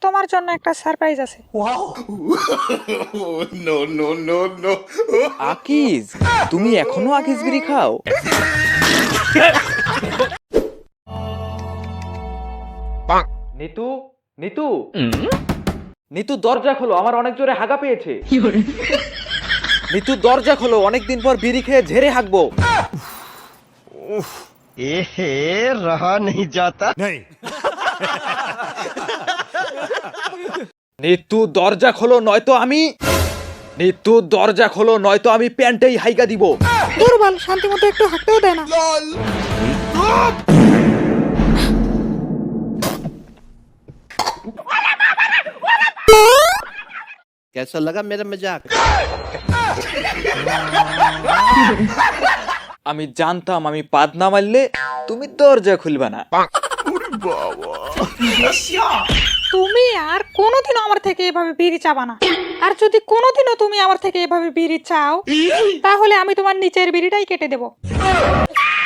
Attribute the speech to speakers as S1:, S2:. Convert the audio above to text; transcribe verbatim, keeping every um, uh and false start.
S1: তোমার জন্য একটা সারপ্রাইজ আছে।
S2: No no no no
S3: Akij, তুমি এখনো আকিজ বিড়ি খাও? নিতু, নিতু, নিতু দরজা খোলো, আমার অনেক জোরে হাগা পেয়েছে। নিতু দরজা খোলো, অনেকদিন পর বিড়ি খেয়ে ঝেড়ে হাগবো।
S4: এহে রহা নেই যাতা।
S3: নিতু দরজা খোলো, নয়তো আমি নিতু দরজা খোলো, নয়তো আমি প্যান্টেই হাইগা দিব।
S1: দুর্বল, শান্তি মতো একটু হাঁটতেও দেয় না।
S4: कैसा लगा मेरा मजाक?
S3: আমি জানতাম আমি পাদ না মারলে তুমি দরজা খুলবা না।
S1: তুমি আর কোনোদিনও আমার থেকে এভাবে বিড়ি চাবা না। আর যদি কোনোদিনও তুমি আমার থেকে এভাবে বিড়ি চাও, তাহলে আমি তোমার নিচের বিড়িটাই কেটে দেবো।